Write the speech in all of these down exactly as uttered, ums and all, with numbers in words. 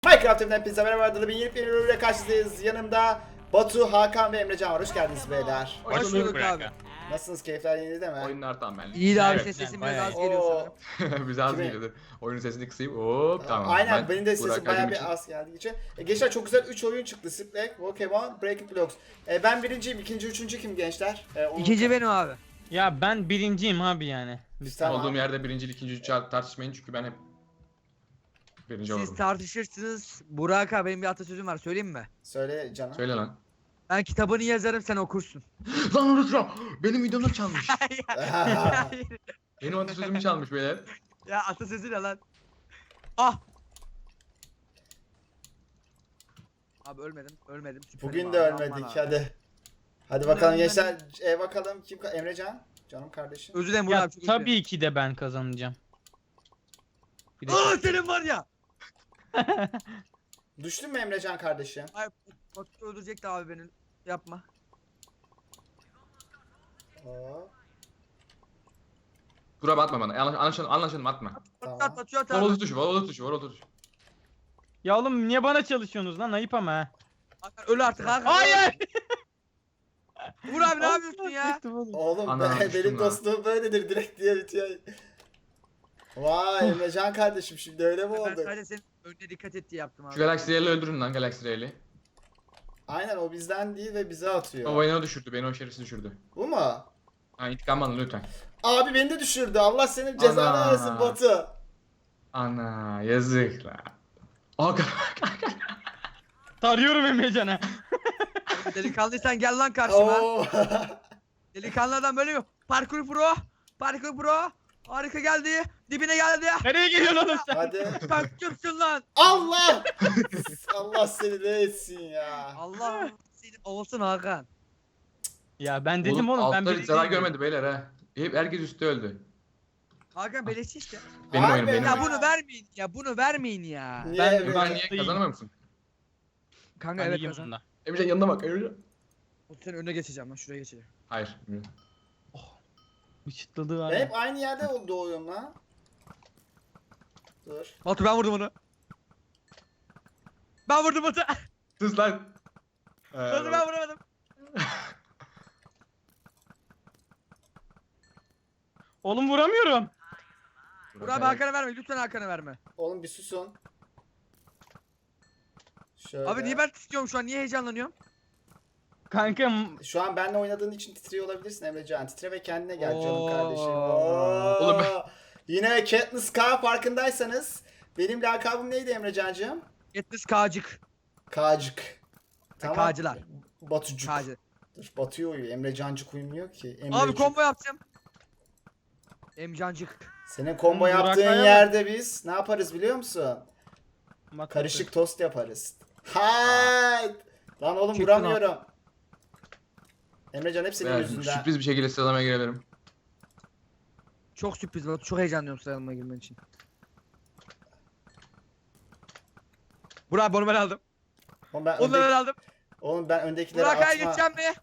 Minecraft evinden hepinize merhaba arkadaşlar. Ben yeni bir bölümle karşınızdayız. Yanımda Batu, Hakan ve Emrecan var. Hoş geldiniz beyler. Hoş bulduk abi. Nasılsınız? Keyifler yerinde mi? Oyunlar tam benlik. İyi de abi Evet. ses sesim bayağı biraz az iyi. geliyor Oo. sanırım. Bize az Kime? geliyordu. Oyunun sesini kısayım. Hop tamam. Aynen Ben benim de sesim Burak bayağı Acım için- bir az geldiği için. E, gençler çok güzel üç oyun çıktı. Siplek, Pokemon, Breaking Blocks. E, ben birinciyim. İkinci, üçüncü kim gençler? E, onu- İkinci benim abi. Ya ben birinciyim abi yani. Tamam. Olduğum yerde birinci, ikinci, üçü tartışmayın çünkü ben hep birinci Siz olurum. tartışırsınız. Burak abi benim bir atasözüm var söyleyeyim mi? Söyle canım. Söyle lan. Ben kitabını yazarım sen okursun. Lan unutma. Benim videomda çalmış. Aha. Benim atasözümü çalmış beyler. Ya atasözü ne lan? Ah! Abi ölmedim, ölmedim. Süperim Bugün abi, de aman ölmedik abi. hadi. Hadi Bugün bakalım ölmedik. gençler. E, bakalım kim? ka- Emrecan. Canım kardeşim. Özür dilerim Burak Ya abi çok üzüldüm. tabii ki de ben kazanacağım. Bir de Aa senin var ya! Düştün mü Emrecan kardeşim? Ay Batu öldürecekti abi beni. Yapma. Oo, Burak atma bana. Anlaş- Anlaşalım, anlaşalım atma. Tamam. At at atıyor Vol at. tuşu, vol tuşu, vol tuşu. Ya oğlum niye bana çalışıyorsunuz lan? Ayıp ama ha. Hakan, öl artık Hakan. Hayır. Vur abi ne yapıyorsun ya? Oğlum Ana, be- düştüm benim lan. dostluğum böyledir direkt diye bitiyor. Vay Emrecan kardeşim şimdi öyle mi Ben oldu? sadece senin önüne dikkat et diye yaptım abi. Şu Galaxy Rail'i öldürün lan Galaxy Rail'i. Aynen o bizden değil ve bize atıyor. O beni o düşürdü, beni o şerefsiz düşürdü. Bu mu? Ha intikam alın lütfen. Abi beni de düşürdü. Allah senin cezanı Ana. versin Batu. Ana yazık la. Aa Tarıyorum Emrecan'a. Delikanlıysan gel lan karşıma. Oo. Delikanlı adam böyle mi? Parkur pro. Parkur pro. Harika geldi. Dibine geldi. Nereye geliyorsun oğlum sen? Hadi. Sen kimsin lan? Allah! Allah seni ne etsin ya. Allah seni olsun Hakan. Ya ben dedim oğlum, ben altları birinciyim. zarar görmedi beyler ha. Hep herkes üstte öldü. Hakan beleşçi işte. Benim Abi oyunum benim. Ya oyunum. bunu vermeyin ya bunu vermeyin ya. Niye Ben- Emrecan? Ben niye kazanamıyor musun? Kanka Ben evet iyiyim kazan. bunda. Emrecan yanına bak Emrecan. O senin önüne geçeceğim lan şuraya geçeceğim. Hayır. Bir çıtladığı var Ben ya. hep aynı yerde doğuyorum lan. Dur. Batu ben vurdum onu. Ben vurdum Batu. Sus lan. Ee, Batu ben vuramadım. Oğlum vuramıyorum. Vur abi Hakan'a verme lütfen Hakan'a verme. Oğlum bir susun. Şöyle. Abi niye ben titriyorum şu an niye heyecanlanıyorum? Kankam Şu an benimle oynadığın için titriyor olabilirsin Emrecan. Titre ve kendine gel canım Oo. kardeşim. Oo. Oğlum ben- Yine Katniss K farkındaysanız. Benim lakabım neydi Emrecancığım? Yetmiş K'cık. Kağcık. K'cılar. Batucuk. K'cı. Dur Batu'ya uyuyor. Emrecancık uyumuyor ki. Abi Emrecik. combo yapacağım. Emcancık. Senin combo Burak yaptığın Kaya bak. yerde biz ne yaparız biliyor musun? Bak- Karışık tost yaparız. Hayt! Lan oğlum Çıktın vuramıyorum. Emrecan hep senin Beyler, yüzünden. sürpriz bir şekilde sıralamaya girelim. Çok sürpriz Batu çok heyecanlıyım sıralamayla girmen için. Burak onu ben aldım. Oğlum ben, Onu ben öndeki, aldım. oğlum ben öndekileri Burak Kaya atma. geçeceğim mi?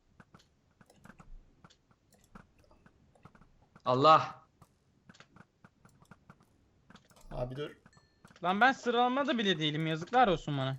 Allah. Abi dur. Lan ben sıralamada bile değilim, yazıklar olsun bana.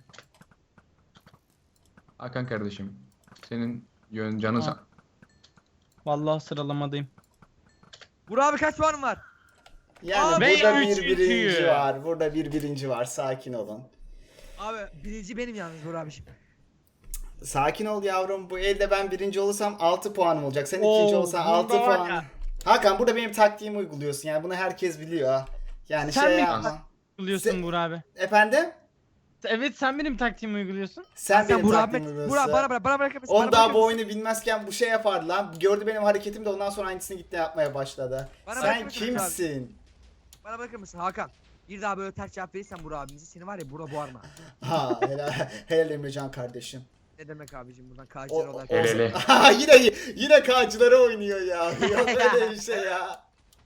Hakan kardeşim. Senin yön canın Ha. sağ. Vallahi sıralamadayım. Burak abi kaç puanın var? Yani Abi, burada ben bir üçüncüyüm. birinci var. Burada bir birinci var. Sakin olun. Abi birinci benim yalnız Burak abiciğim. Sakin ol yavrum. Bu elde ben birinci olursam altı puanım olacak. Sen Oo, ikinci olsan bunda altı var puan. ya. Hakan burada benim taktiğimi uyguluyorsun. Yani bunu herkes biliyor. ha. Yani Sen şey mi- yapma. Uyguluyorsun Se- Burak abi. Efendim? Evet, sen benim taktiğimi uyguluyorsun. Sen, Sen benim Burak taktiğimi abi. uyguluyorsun. Burak bana bırak bana bırakır mısın? On Bana daha bırakır bu mısın? oyunu bilmezken bu şey yapardı lan. Gördü benim hareketimi de ondan sonra aynısını gitti yapmaya başladı. Bana Sen bırakır mısın kimsin? Bana bırakır mısın Hakan? Bir daha böyle ters cevap verirsen Burak abimizi seni var ya Burak boğarma. Ha helal, helal Emrecan kardeşim. Ne demek abicim buradan O, K'cılar o, olarak. El ele. Ha, yine yine kağcılara oynuyor ya. Yok öyle bir şey ya.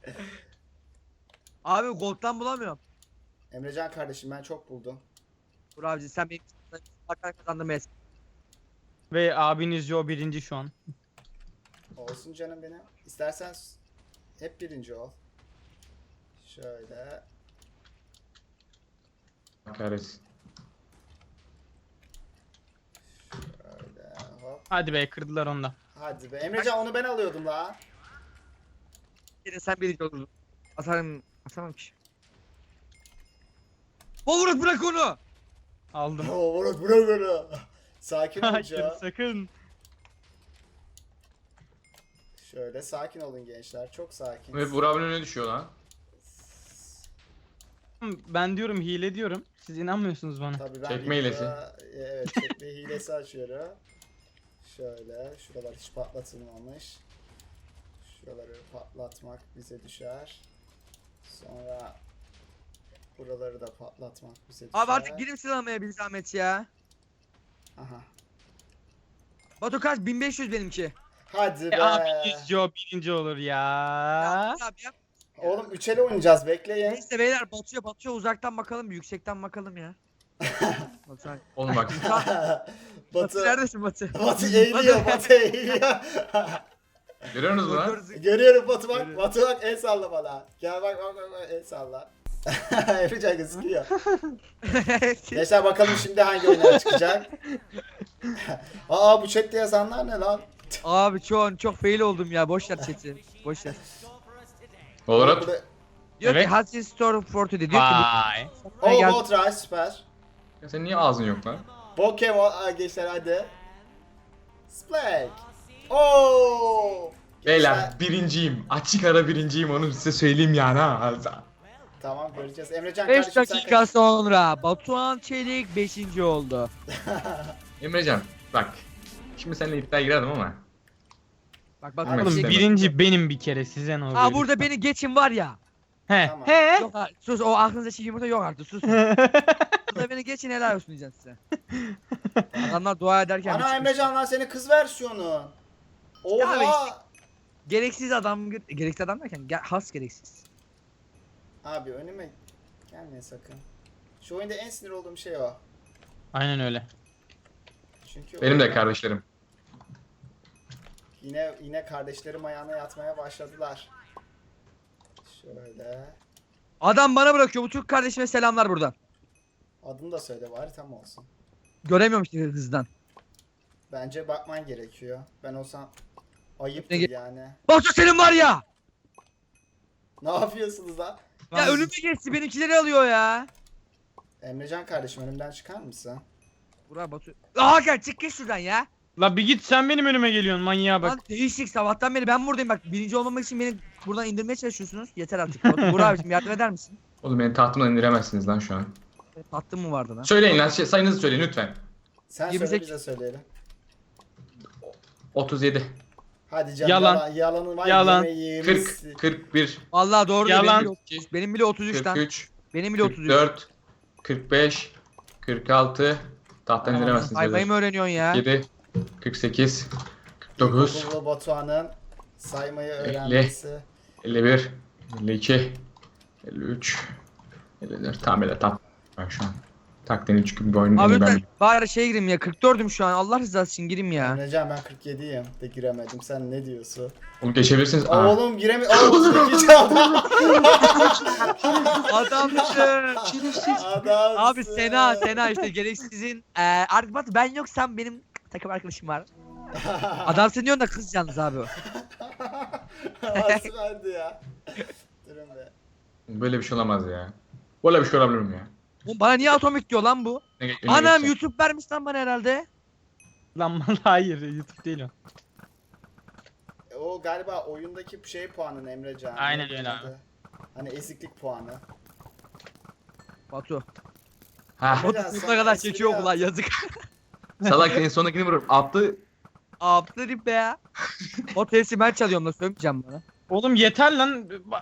Abi Gold'dan bulamıyorum. Emrecan kardeşim ben çok buldum. Burak abici sen benim Hakan kazandırmayız. Ve abiniz Joe birinci şu an. Olsun canım benim. İstersen hep birinci ol. Şöyle. Kahretsin. Hadi be kırdılar onda. Hadi be. Emrecan onu ben alıyordum la. Yine sen birinci olurdun. Atarım. Atamam ki. Olur bırak onu. Aldım. Oo, bırak bırak onu. Sakin olun Hayır ya. sakın. Şöyle sakin olun gençler. Çok sakin. Ve Burak abinin önüne düşüyor lan. Ben diyorum hile diyorum. Siz inanmıyorsunuz bana. Tabii ben Çekme hilesi. videoda- Evet, çekme hilesi açıyorum. Şöyle, şuralar hiç patlatılmamış. Şuraları patlatmak bize düşer. Sonra buraları da patlatmak bize düşer. Abi artık girim sıralamaya bir zahmet ya. Aha. Batu kaç? bin beş yüz benimki. Hadi E, be. abi birinci o birinci olur ya. Ya, abi yap. Oğlum üçeli oynayacağız, bekleyin. Neyse beyler Batu'ya Batu'ya uzaktan bakalım, yüksekten bakalım ya. Batu, Oğlum bak. Batu Batı, neredesin Batu? Batı eğiliyor, Batı eğiliyor. Görüyorsunuz lan. Görüyorum Batı bak, Görüyorum. Batı bak el salla bana. Gel bak bak bak, bak el salla. Yapacak gözüküyor. Gençler bakalım şimdi hangi oyunlar çıkacak. Aa bu chatte yazanlar ne lan? Abi çok çok fail oldum ya. Boş ver chat'i. Boş ver. Valorant. Burada- Diyor Evet. ki Hudson Store Forty diyor ki Vay. bu Oo gel- Voltray süper. Ya senin niye ağzın yok lan? Pokemon aa, gençler hadi. Splake. Oo. Beyler Gençler- birinciyim. Açık ara birinciyim onu size söyleyeyim yani ha. Tamam göreceğiz. Emrecan beş kardeşim sen dakika kaç- sonra Batuhan Çelik beşinci oldu. Emrecan bak. Şimdi seninle iddiaya girerdim ama. Bak bak. Oğlum, bak, Oğlum şey- birinci benim bir kere size ne oluyor? Aa burada beni geçin var ya. He. Tamam. He. Yok ha, sus o aklınızda şey yumurta yok artık sus. Burada beni geçin helal olsun diyeceğim size. Adamlar dua ederken bir Ana çıkmış. Emrecan lan senin kız versiyonu. Oha. Ya gereksiz adam gereksiz adam derken ge- has gereksiz. Abi önüme gelme sakın. Şu oyunda en sinir olduğum şey o. Aynen öyle. Çünkü Benim de oyunda kardeşlerim. Yine yine kardeşlerim ayağına yatmaya başladılar. Şöyle. Adam bana bırakıyor bu Türk kardeşime selamlar buradan. Adını da söyle bari tam olsun. Göremiyorum işte hızdan. Bence bakman gerekiyor. Ben olsam ayıptır Ne ge- yani. Batu senin var ya. Ne yapıyorsunuz lan? Ya önüme geçti benimkileri alıyor ya. Emrecan kardeşim önümden çıkar mısın? Burak Batu. Hakan çık git şuradan ya. La bir git sen benim önüme geliyorsun manyağa bak. Lan değişik sabahtan beri ben buradayım bak birinci olmamak için beni buradan indirmeye çalışıyorsunuz. Yeter artık. Batu, Burak abicim yardım eder misin? Oğlum beni tahtımdan indiremezsiniz lan şu an. Tattın mı vardı lan? Söyleyin lan şey, sayınızı söyleyin lütfen. Sen yirmi söyle sekiz. bize söyleyelim. otuz yedi. Hadi canım Yalan. yalan. Yalanın var Yalan. yemeği kırk. yemişsin. kırk bir. Vallahi doğru Yalan. benim bile otuz üç. Benim bile otuz üç kırk lan. üç. Benim bile otuz kırk üç. dört. kırk beş. kırk altı. Tahttan Aman, indiremezsiniz. saymayı mı öğreniyorsun ya? yedi. kırk sekiz. kırk dokuz. İlkokulu Batuhan'ın saymayı öğrenmesi. elli bir. elli iki. elli üç. elli dört. Tamam böyle tak. Ben şu an. Taktiğini çünkü bir oyun Abi ben. ben bari şeye gireyim ya kırk dördüm şu an Allah rızası için gireyim ya. Emrecan ben kırk yediyim de giremedim. Sen ne diyorsun? Oğlum geçebilirsiniz. Aa. Oğlum giremi... Oğlum iki çaldı. Adamsın. Adamsın. Abi Sena Sena işte gereksizin eee artık Batu ben yoksam benim takım arkadaşım var. Adamsın diyorsun da kız yalnız abi o. Nasıl verdi ya? Durun be. Böyle bir şey olamaz ya. Böyle bir şey olabilir mi ya? Oğlum bana niye atomik diyor lan bu? Ne, ne Anam geçecek? YouTube vermiş lan bana herhalde. Lan vallahi hayır YouTube değil o. E, O galiba oyundaki şey puanın Emrecan. Aynen Neydi öyle adı? Hani eziklik puanı. Batu. Ha, Batu Biraz sonuna sana kadar espri çekiyor bu lan yaptım. yazık. salak en sondakini vurup attı. Aptal be ya. Batu hepsi ben çalıyorum da sövmeyeceğim bana. Oğlum yeter lan. Ba-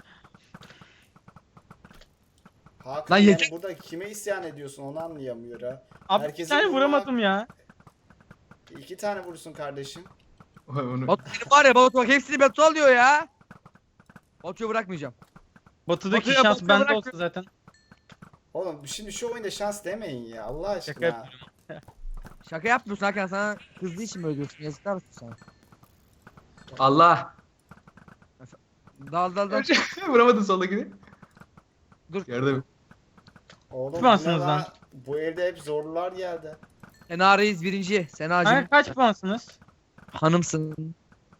Hakan Lan yani yeter- burada kime isyan ediyorsun onu anlayamıyor ha. Abi bir Herkesin tane vurma- vuramadım ya. İki tane vurursun kardeşim. Onu... Batu senin var ya Batu bak hepsini Batu alıyor ya. Batu'yu bırakmayacağım. Batı'daki Batı'ya- şans Batı'ya bende bırak- olsa zaten. Oğlum şimdi şu oyunda şans demeyin ya Allah aşkına. Şaka yapıyorum. Şaka yapmıyorsun Hakan sana kızdığı için mi öldürsün yazıklar olsun sana. Allah. Dal dal dal. Vuramadın soldakini. Dur. Yardım. Oğlum bu, Tutmazsınız ne lan. lan? Bu evde hep zorlular geldi. Sena Reis birinci. Senacığım. Kanka kaç puansınız? Hanımsın.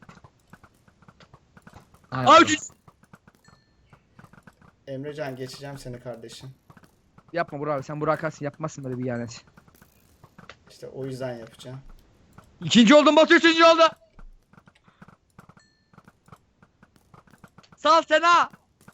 Ay, Aa üçüncü. Emrecan geçeceğim seni kardeşim. Yapma Burak abi, sen Burak Arsın, yapmazsın böyle bir ihanet. İşte o yüzden yapacağım. İkinci oldum, Batu üçüncü oldu. Sağ ol Sena.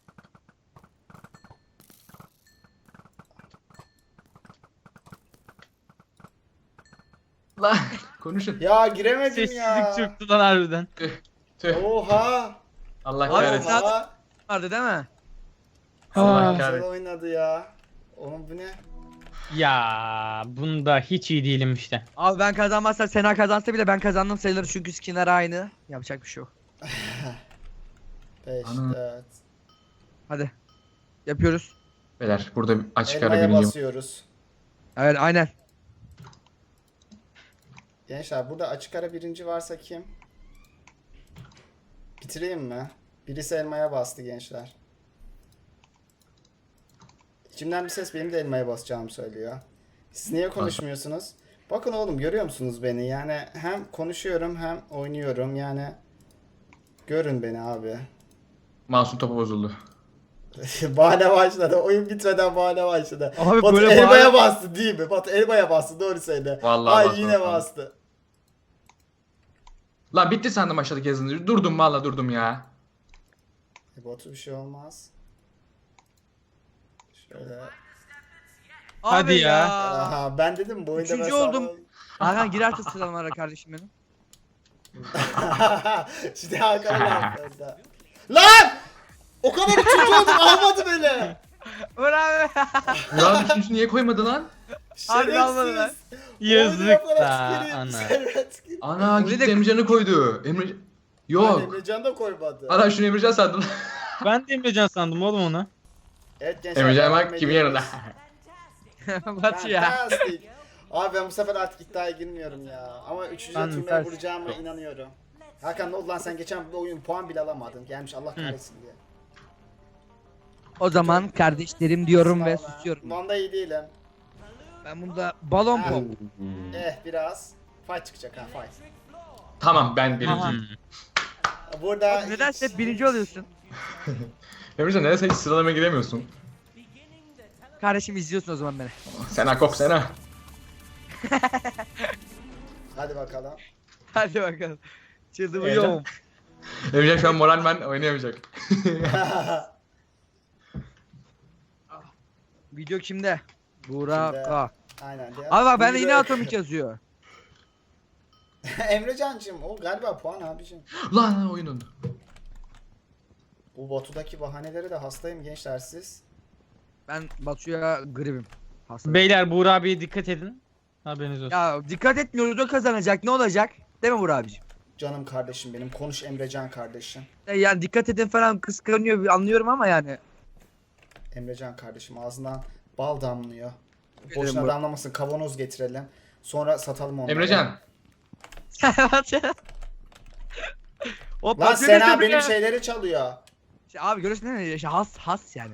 Lan konuşun. Ya giremedim Sessizlik ya. çöktü lan harbiden. Tüh. Oha. Allah Abi, kahretsin. sen- Oha. Vardı değil mi? Allah Güzel kahretsin. oynadı ya. Oğlum bu ne? Ya bunda hiç iyi değilim işte. Abi ben kazanmazsam Sena kazansa bile ben kazandım sayılır çünkü skinler aynı. Yapacak bir şey yok. beş, Ana. dört. Hadi. Yapıyoruz. Beyler burada bir açık ara Elmaya bineceğim. basıyoruz. Evet aynen. Gençler burada açık ara birinci varsa kim? Bitireyim mi? Birisi elmaya bastı gençler. İçimden bir ses benim de elmaya basacağımı söylüyor. Siz niye konuşmuyorsunuz? Bakın oğlum görüyor musunuz beni? Yani hem konuşuyorum hem oynuyorum yani. Görün beni abi. Masum topu bozuldu. Bahane başladı. Oyun bitmeden bahane başladı. Abi Batu böyle elmaya bahane- bastı değil mi? Batu elmaya bastı doğru söyle. Vallahi Ay bastı, yine bastı. bastı. Lan bitti sandım aşağıdaki yazını. Durdum valla durdum ya. E, Batu bir şey olmaz. Şöyle. Hadi Abi ya. Aha ben dedim bu oyunda Üçüncü ben oldum. sağlam- Hakan girerse sıralamalara kardeşim benim. Şimdi Hakan'a laf verdi. Lan! O kadar üçüncü oldum almadı beni. Bravo. Murat üçüncü niye koymadı lan? Abi almadı lan. Şerefsiz. Yazık Oyunu yaparak da tüküreyim, ana. servet tüküreyim. Ana Oraya gitti da- Emrecan'ı koydu. Emre... Lan Yok. Emrecan da koymadı. Ana şunu Emrecan sandım. Ben de Emrecan sandım oğlum onu. Evet gençler. Emrecan devam bak kimin ediyoruz. yanında. Batu ya. Fantastic. Abi ben bu sefer artık iddiaya girmiyorum ya. Ama üçüncü Fantastic. turnuvaya vuracağıma inanıyorum. Hakan ne oldu lan sen geçen bu oyun puan bile alamadın. Gelmiş Allah kahretsin diye. O zaman kardeşlerim diyorum ve Sağ ol ha. susuyorum. Bunda iyi değilim. Ben bunda balon Ha. pop. Eh biraz. Fight çıkacak ha fight. Tamam ben Aha. birinciyim. Burada Nedense hiç- hep birinci oluyorsun. Emrecan nedense hiç sıralamaya giremiyorsun. Kardeşim izliyorsun o zaman beni. Sena kok Sena. Hadi bakalım. Hadi bakalım. Çıldırıyorum. Emrecan şu an moral ben oynayamayacak. Video kimde? Burak. Kimde? Aa. Aynen. de- Abi bak bende yine Buyurun. atomik yazıyor. Emrecancığım o galiba puan abicim. Lan lan oyun oldu. Bu Batu'daki bahanelere de hastayım gençler siz. Ben Batu'ya gribim. Hasta. Beyler Buğra abiye dikkat edin. Haberiniz olsun. Ya dikkat etmiyoruz, o kazanacak, ne olacak? Değil mi Burak abiciğim? Canım kardeşim benim. Konuş Emrecan kardeşim. E Yani dikkat edin falan kıskanıyor anlıyorum ama yani. Emrecan kardeşim ağzından bal damlıyor. Benim Boşuna bu- damlamasın kavanoz getirelim. Sonra satalım onları. Emrecan. O Lan Batu'ya Sena götürdü benim ya. şeyleri çalıyor. İşte abi görüyorsun değil mi? İşte has has yani.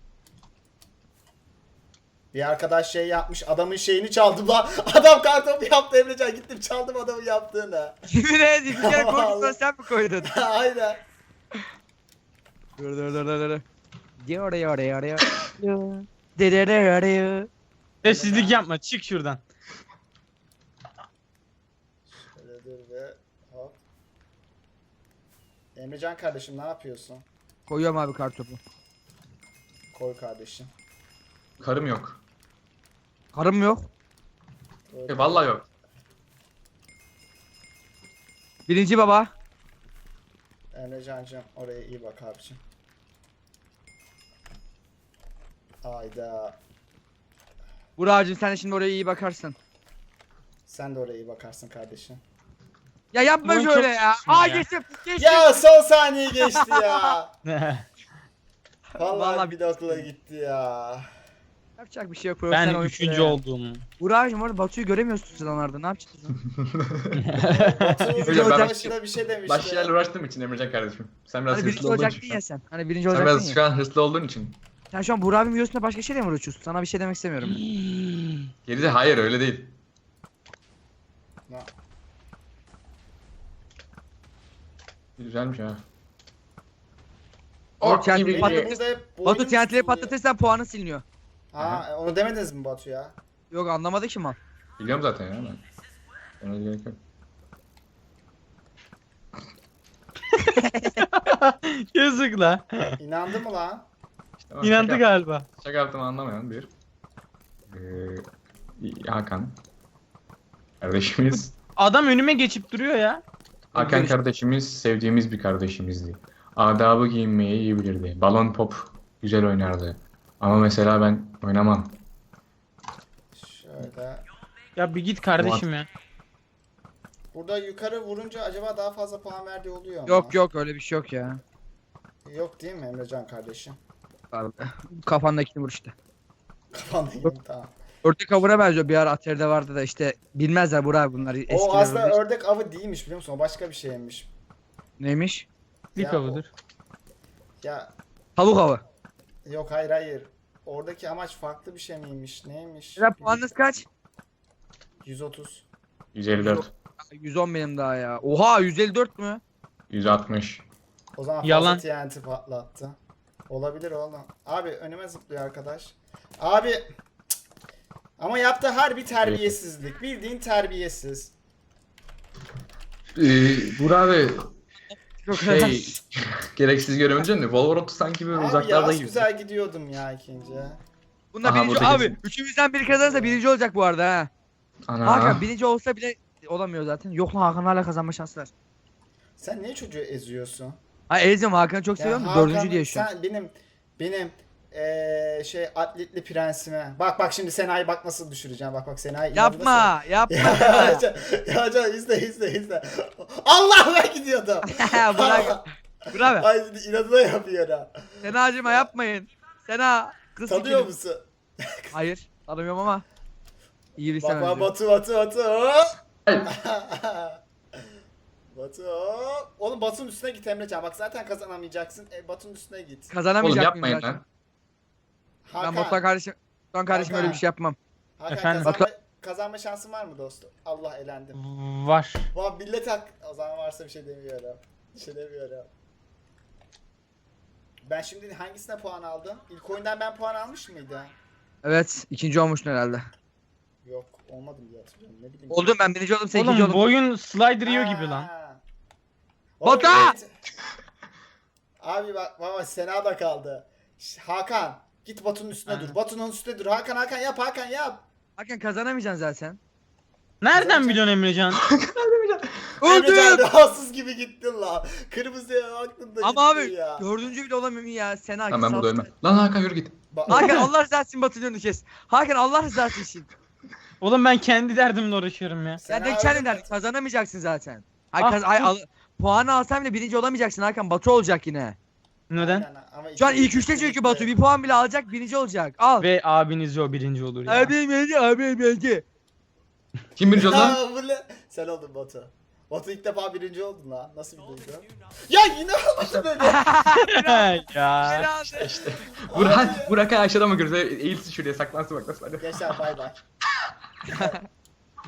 Bir arkadaş şey yapmış adamın şeyini çaldım lan. Adam kartopu yaptı Emrecan gittim çaldım adamın yaptığını. Yemin ederim bir kere Vallahi. koydun sen mi koydun? Aynen. Dur dur dur dur dur. Diyor diyor diyor diyor. Diyor diyor diyor. Sessizlik yapma çık şuradan. Şöyle dur ve hop. Emrecan kardeşim ne yapıyorsun? Koyuyorum abi kartopu. Koy kardeşim. Karım yok. Karım yok. Koy. E vallahi yok. Birinci baba. Emrecancığım oraya iyi bak abicim. Ayda. Burak'cığım sen de şimdi oraya iyi bakarsın. Sen de oraya iyi bakarsın kardeşim. Ya yapma Oyun şöyle çok ya. sıkıştım Aa ya. geçtim. Geçtim. Ya son saniye geçti ya. Vallahi Vallahi bir de okula gitti ya. Yapacak bir şey yok. profesyonel Ben oyun üçüncü şuraya. oldum. Burak'cığım orada Batu'yu göremiyorsun sıralarda. Ne yapacağız? Batu Hocam ben başına bir şey demişti. Başka şeylerle uğraştığım için Emrecan kardeşim. Sen biraz Hani birinci hırslı olduğun olacaktın için. şu ya an. sen. Hani birinci Sen olacaktın biraz ya. şu an hırslı olduğun için. Sen şu an Burak abinin videosunda başka şeyle mi uğraşıyorsun? Sana bir şey demek istemiyorum. Geride hayır öyle değil. Güzelmiş ha. O Ok T N T'yi gibi. patlatır- Elimizde hep bu Batu oyun T N T'leri üstünlüğü. patlatırsan puanın siliniyor. Ha onu demediniz mi Batu ya? Yok anlamadı ki mal. Biliyorum zaten ya ben. Ona gerek yok. Yazık la. İnandı mı lan? İşte bak, İnandı şaka- galiba. Şaka yaptığımı anlamayan bir ee, Hakan kardeşimiz. Adam önüme geçip duruyor ya. Hakan kardeşimiz sevdiğimiz bir kardeşimizdi. Adabı giyinmeyi iyi bilirdi. Balon pop güzel oynardı. Ama mesela ben oynamam. Şöyle. Ya bir git kardeşim ya. Burada yukarı vurunca acaba daha fazla puan verdiği oluyor mu? Yok yok öyle bir şey yok ya. Yok değil mi Emrecan kardeşim? Kafandakini vur işte. Kafandayım tamam. Ördek avına benziyor, bir ara Atari'de vardı da işte bilmezler Burak bunlar eskiler. O aslında ördek. ördek avı değilmiş biliyor musun? O başka bir şeymiş. Neymiş? Dik Ya avudur. Ya Tavuk avı. yok hayır hayır. Oradaki amaç farklı bir şey miymiş? Neymiş? Ya puanınız kaç? yüz otuz. yüz elli dört, yüz on benim daha ya. Oha yüz elli dört mü? yüz altmış. O zaman Yalan. fazla T N T patlattı. Olabilir oğlum. Abi önüme zıplıyor arkadaş. Abi cık. Ama yaptığı harbi terbiyesizlik. Bildiğin terbiyesiz. Ee, Burak abi Çok şey gereksiz göremeyeceğim de Valorant sanki böyle Abi uzaklarda ya gibi. güzel gidiyordum ya ikinci. Bunda Aha, birinci burada abi. kesin. Üçümüzden biri kazanırsa birinci olacak bu arada ha. Ana. Hakan birinci olsa bile olamıyor zaten. Yok lan Hakan hala kazanma şansı var. Sen niye çocuğu eziyorsun? Ay Ezim Hakan'ı çok Ya seviyorum. Hakan, Dördüncü diye şu an. Sen benim benim eee şey atletli prensime. Bak bak şimdi Sena'yı bak nasıl düşüreceğim. Bak bak Sena'yı. Yapma yapma. Ya Can, ya Can izle izle izle. Allah ben gidiyordum. Burak. Burak. Ay inadına yapıyor ha. Sena acıma yapmayın. Sena kız Tanıyor sikerim. musun? Hayır tanımıyorum ama. İyi bir Bak sen bak Batu Batu Batu. hop. Ay. Batu. hop. Oğlum Batu'nun üstüne git Emrecan. Bak zaten kazanamayacaksın. E, Batu'nun üstüne git. Kazanamayacak Oğlum mıyım yapmayın zaten? lan. Ben Hakan. Batuhan kardeşim. Batuhan kardeşim öyle bir şey yapmam. Hakan Efendim? kazanma, kazanma şansın var mı dostum? Allah elendim. Var. Vay millet hak. O zaman varsa bir şey demiyorum. Bir şey demiyorum. Ben şimdi hangisine puan aldım? İlk oyundan ben puan almış mıydım? Evet ikinci olmuştun herhalde. Yok olmadım diye hatırlıyorum. Ne bileyim. Oldum ben birinci oldum sen ikinci Oğlum oldun. bu oyun slider yiyor gibi lan. Ha. Oğlum, Batu! evet. Abi bak baba Sena da kaldı. Ş- Hakan git Batu'nun üstüne Ha. dur. Batu'nun üstüne dur. Hakan Hakan yap Hakan yap. Hakan kazanamayacaksın zaten. Nereden biliyorsun Emrecan? Emrecan Öldüm. rahatsız gibi gittin la. Kırmızıya aklında Ama gittin abi ya. dördüncü bile olamıyorum ya. Sena Lan ben burada sal- ölmem. Lan Hakan yürü git. Ba- Hakan Allah rızası için Batu'nun önünü kes. Hakan Allah rızası için. Oğlum ben kendi derdimle uğraşıyorum ya. Sena Sen de öldü kendin mü? derdin, kazanamayacaksın zaten. Ay, Ah, kaz- ay, dur. al- puanı alsan bile birinci olamayacaksın Hakan. Batu olacak yine. Neden? Aynen, ama Şu an ikinci- ilk üçte çünkü Batu bir puan bile alacak birinci olacak. Al. Ve abiniz o birinci olur ya. Abi birinci abi birinci. Kim birinci oldu lan? Ya bu ne? Sen oldun Batu. Batu ilk defa birinci oldun lan. Nasıl bir duygu? Ya yine olmadı böyle. ya. Helal. Burak, Burak aşağıda mı görüyoruz? Eğilsin şuraya saklansın bak nasıl hadi. Gençler bay bay.